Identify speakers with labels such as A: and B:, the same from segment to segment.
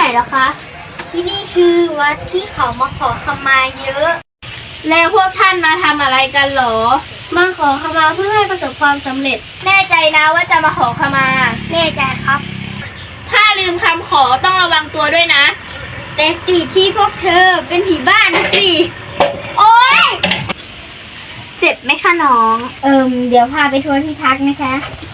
A: เหรอคะที่นี่คือวัดที่เขามาขอขมาเยอะแล้วพวกท่านมาทำอะไรกันหรอมาขอขมาเพื่อให้ประสบความสำเร็จแน่ใจนะว่าจะมาขอขมาแน่ใจครับถ้าลืมคำขอต้องระวังตัวด้วยนะแต่ติดที่พวกเธอเป็นผีบ้านนะสิโอ๊ยเจ็บไหมคะน้องเดี๋ยวพาไปทัวร์ที่พักนะคะ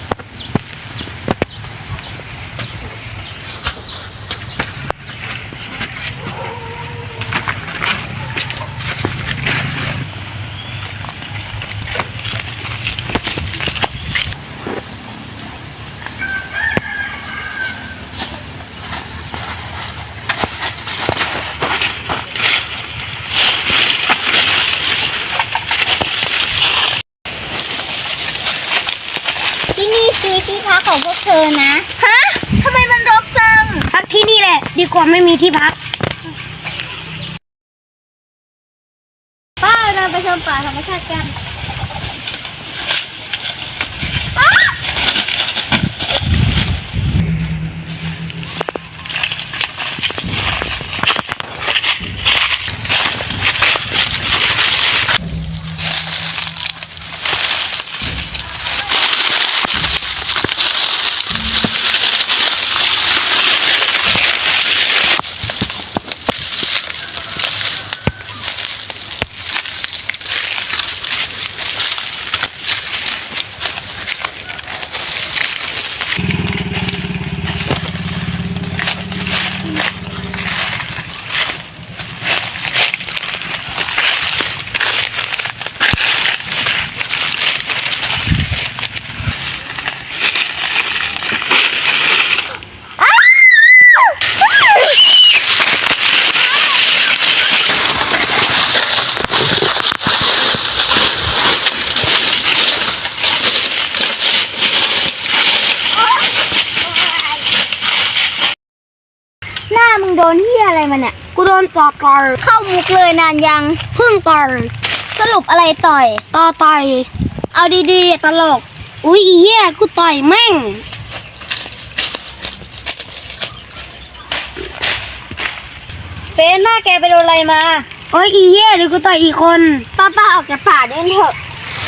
A: ที่นี่คือที่พักของพวกเธอนะฮะทำไมมันรกจังพักที่นี่แหละดีกว่าไม่มีที่พักป้าเราไปชมป่าธรรมชาติกันหน้ามึงโดนเหี้ยอะไรมาเนี่ยกูโดนต่อยเข้ามุกเลยนานยังเพิ่งต่อยสรุปอะไรต่อยต่อยเอาดีๆตลกอุ้ยอีเหี้ยกูต่อยแม่งเฟนหน้าแกไปโดนอะไรมาโอ้ยอีเหี้ยหรือกูต่อยอีกคนป้าออกจากป่าเดินเถอะ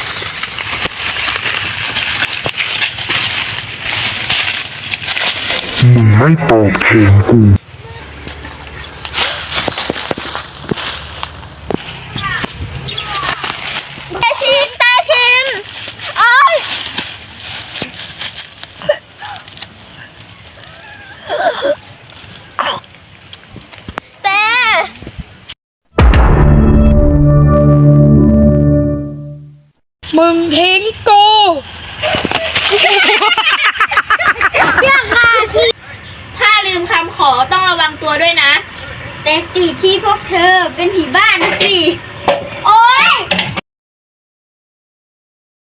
B: มึงไม่ตอบแทนกู
A: ตาชินโอ๊ยแต่มึงทิ้งกูถ้าลืมคำขอต้องระวังตัวด้วยนะแต่ติดที่พวกเธอเป็นผีบ้านนะสิ